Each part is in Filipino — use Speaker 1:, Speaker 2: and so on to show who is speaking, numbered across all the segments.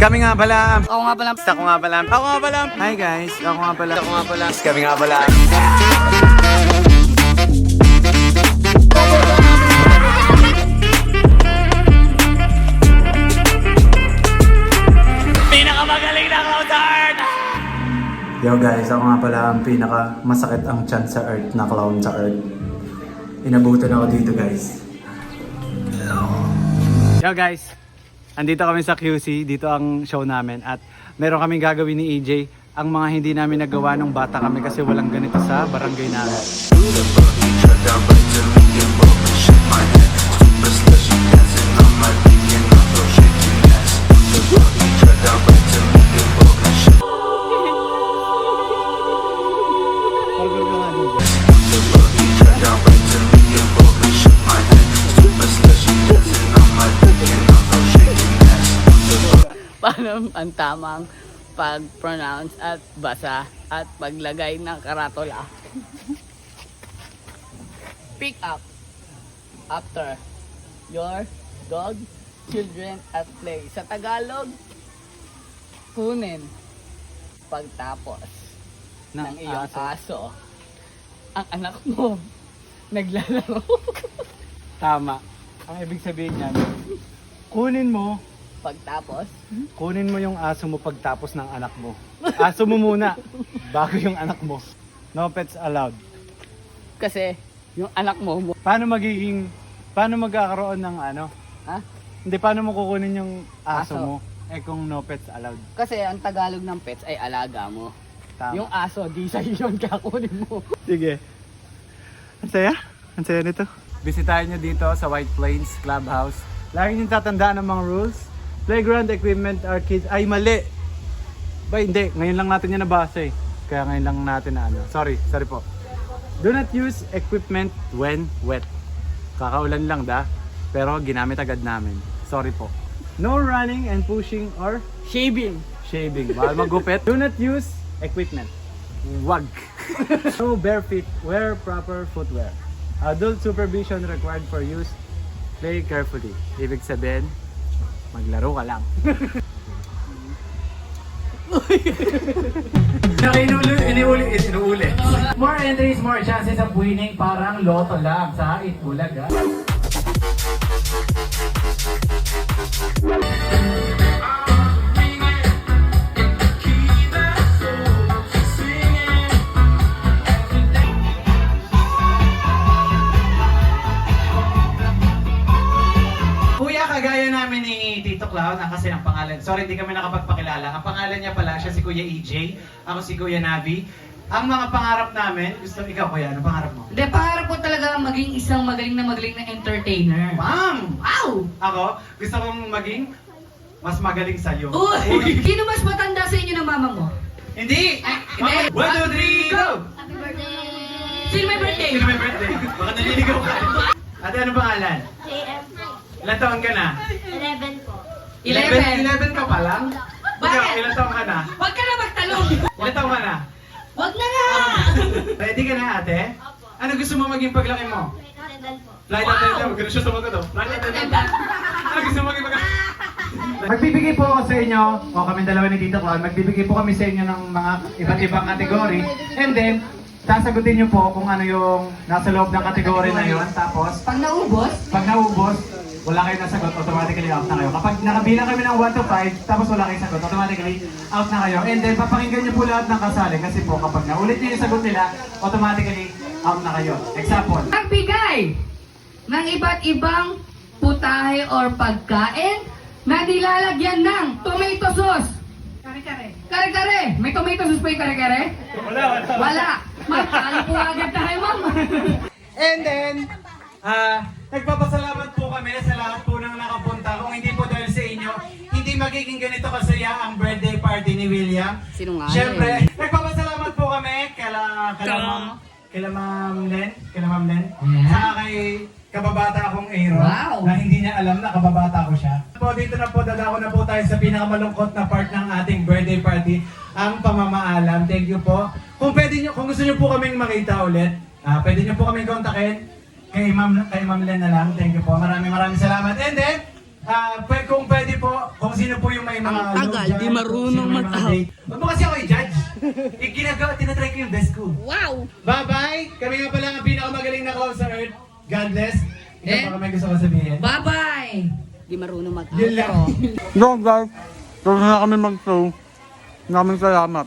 Speaker 1: Kami nga pala.
Speaker 2: Ako nga pala.
Speaker 1: Ako nga pala. Ako nga pala. Hi guys. Ako nga pala. Ako nga pala. Kami nga pala.
Speaker 2: Pinakamagaling na clown!
Speaker 1: Yo guys, ako nga pala ang pinaka masakit ang tiyan sa earth na clown sa earth. Inabutan ako dito guys. Yo guys, andito kami sa QC, dito ang show namin at meron kaming gagawin ni AJ ang mga hindi namin nagawa nung bata kami kasi walang ganito sa barangay namin.
Speaker 2: Paano ang tamang pag-pronounce at basa at paglagay ng karatula? Pick up after your dog, children at play. Sa Tagalog, kunin pagtapos ng iyong aso. Ang anak mo naglalaro.
Speaker 1: Tama. Ang ibig sabihin niyan, kunin mo yung aso mo pagtapos ng anak mo. Aso mo muna, bago yung anak mo. No pets allowed.
Speaker 2: Kasi yung anak mo
Speaker 1: Paano magkakaroon ng ano?
Speaker 2: ha?
Speaker 1: Hindi, paano mo kukunin yung aso
Speaker 2: Aso.
Speaker 1: mo? Eh kung no pets allowed.
Speaker 2: Kasi ang Tagalog ng pets ay alaga mo.
Speaker 1: Tama.
Speaker 2: Yung aso, di sa'yo yun kakunin mo.
Speaker 1: Sige. Ang saya? Ang saya nito. Bisitahin nyo dito sa White Plains Clubhouse. Lagi nyo tatandaan ang mga rules. Playground equipment are kids. Ay, mali! Ba, hindi. Ngayon lang natin yan nabasa eh. Kaya ngayon lang natin na ano. Sorry po. Do not use equipment when wet. Kakaulan lang pero ginamit agad namin. Sorry po. No running and pushing or
Speaker 2: Shaving.
Speaker 1: shaving. Bawal magupit. Do not use equipment. Wag. No bare feet. Wear proper footwear. Adult supervision required for use. Play carefully. Ibig sabihin, maglaro ka lang. Inuuli. More entries, more chances of winning. Parang loto lang sa Itbulaga. Kuya, kagaya namin ni Tito Clown, kasi ang pangalan, sorry hindi kami nakapagpakilala, ang pangalan niya pala, siya si Kuya EJ, ako si Kuya Navi. Ang mga pangarap namin, gusto ikaw Kuya, ano pangarap mo?
Speaker 2: Hindi, pangarap ko talaga maging isang magaling na entertainer.
Speaker 1: Ma'am!
Speaker 2: Wow!
Speaker 1: Ako, gusto kong maging mas magaling sa'yo.
Speaker 2: Uy! Sino mas matanda sa inyo ng mama mo?
Speaker 1: Hindi!
Speaker 2: Ay, hindi.
Speaker 1: 1, 2, 3, go!
Speaker 3: Happy birthday!
Speaker 2: Sino may birthday?
Speaker 1: Sino may birthday? Baka naliligaw ka. Ate, ano pangalan?
Speaker 3: JM po.
Speaker 1: Ilan taon ka na?
Speaker 3: 11 po.
Speaker 1: 11 ka pa lang?
Speaker 2: Bakit?
Speaker 1: Ikaw, ilan taon ka na?
Speaker 2: Huwag ka na magtalong!
Speaker 1: Ilan taon ka na?
Speaker 2: Huwag na nga!
Speaker 1: Ready ka na ate?
Speaker 3: Opo.
Speaker 1: Ano gusto mo maging paglaki mo?
Speaker 3: Flight attendant po.
Speaker 1: Flight
Speaker 2: Wow!
Speaker 1: attendant. Ganun siya sumagot oh. Flight attendant. Ano gusto mo maging paglaki? Magbibigay po ako sa inyo, o kami dalawa ni Tito Clown, magbibigay po kami sa inyo ng mga iba't ibang kategory. And then, sasagutin nyo po kung ano yung nasa loob ng kategory na yun. Tapos,
Speaker 2: Pag naubos,
Speaker 1: pag naubos, wala kayong nasagot, automatically out na kayo. Kapag nakabilang kami ng 1 to 5, tapos wala kayong sagot, automatically out na kayo. And then, papakinggan nyo po lahat ng kasali kasi po kapag naulit nyo yung sagot nila, automatically out na kayo. Example.
Speaker 2: magbigay ng iba't ibang putahe or pagkain na nilalagyan ng tomato sauce. Kare-kare. Kare-kare. May tomato sauce pa yung kare-kare? Wala. Magkali po agad tayo, ma'am.
Speaker 1: And then, nagpapasalamat po kami sa lahat po ng nakapunta. Kung hindi po dahil sa inyo, hindi magiging ganito kasaya ang birthday party ni William.
Speaker 2: Sino nga
Speaker 1: Siyempre, nagpapasalamat po kami kila Ma'am Len, saka kay kababata akong Aaron,
Speaker 2: Wow.
Speaker 1: na hindi niya alam na kababata ko siya. Dito na po, dadako na po tayo sa pinakamalungkot na part ng ating birthday party, ang pamamaalam. Thank you po. Kung gusto niyo po kaming makita ulit, pwede niyo po kaming kontakin kay Ma'am Len na lang. Thank you po. Maraming salamat. And then, Kung pwede po, kung sino po yung may mga
Speaker 2: Ang tagal,
Speaker 1: low
Speaker 2: di
Speaker 1: dyan,
Speaker 2: marunong
Speaker 1: sino may mga
Speaker 2: mag-out.
Speaker 1: date. Huwag mo kasi ako i-judge. Tinatry ko yung best ko.
Speaker 2: Wow!
Speaker 1: Bye-bye! Kami nga pala ang pinakamagaling na call sa Earth. God bless. Ito
Speaker 2: Eh?
Speaker 1: pa may gusto ko sabihin.
Speaker 2: Bye-bye! Di marunong mag-outro.
Speaker 1: Yun lang.
Speaker 4: No guys, tapos na kami mag-show. Maraming salamat.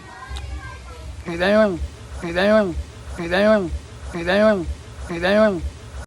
Speaker 4: Kita yun. Kita yun. Kita yun. Kita yun. Kita yun.